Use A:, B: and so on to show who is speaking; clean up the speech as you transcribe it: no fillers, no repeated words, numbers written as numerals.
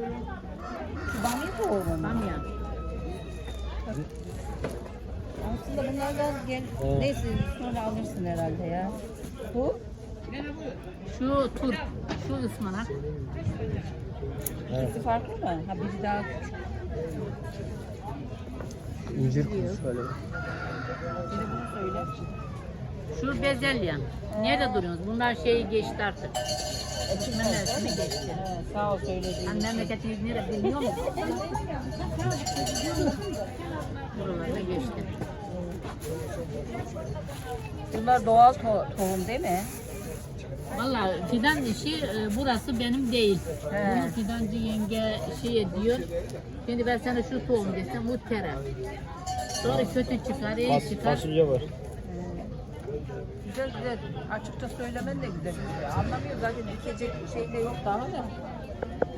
A: Şu bamya tohumu.
B: Bamya.
A: Aslında bunlardan gel.
C: Evet.
A: Neyse sonra alırsın herhalde ya. Bu?
B: Şu turp, şu ıspanak.
C: Evet.
A: İkisi farklı mı? Ha biri daha küçük.
C: İncir kurusu böyle.
A: Bir de bunu söyle.
B: Şu bezelye. Nerede duruyorsunuz? Bunlar şeyi geçti artık. Ekilme mevsimi geçti.
A: He, sağ ol söylediğin
B: Hani
A: için.
B: memleketiniz nerede bilmiyor musun? Buralarda geçti.
A: Bunlar doğal tohum değil mi?
B: Vallahi fidan işi burası benim değil.
A: He.
B: Bunu fidancı yenge şey diyor. Şimdi ben sana şu tohum desem bu tere. Sonra kötü çıkar, iyi çıkar.
C: Fasulye var.
A: Güzel güzel. Açıkça söylemen de güzel. Anlamıyor zaten dikecek şey de yok daha da.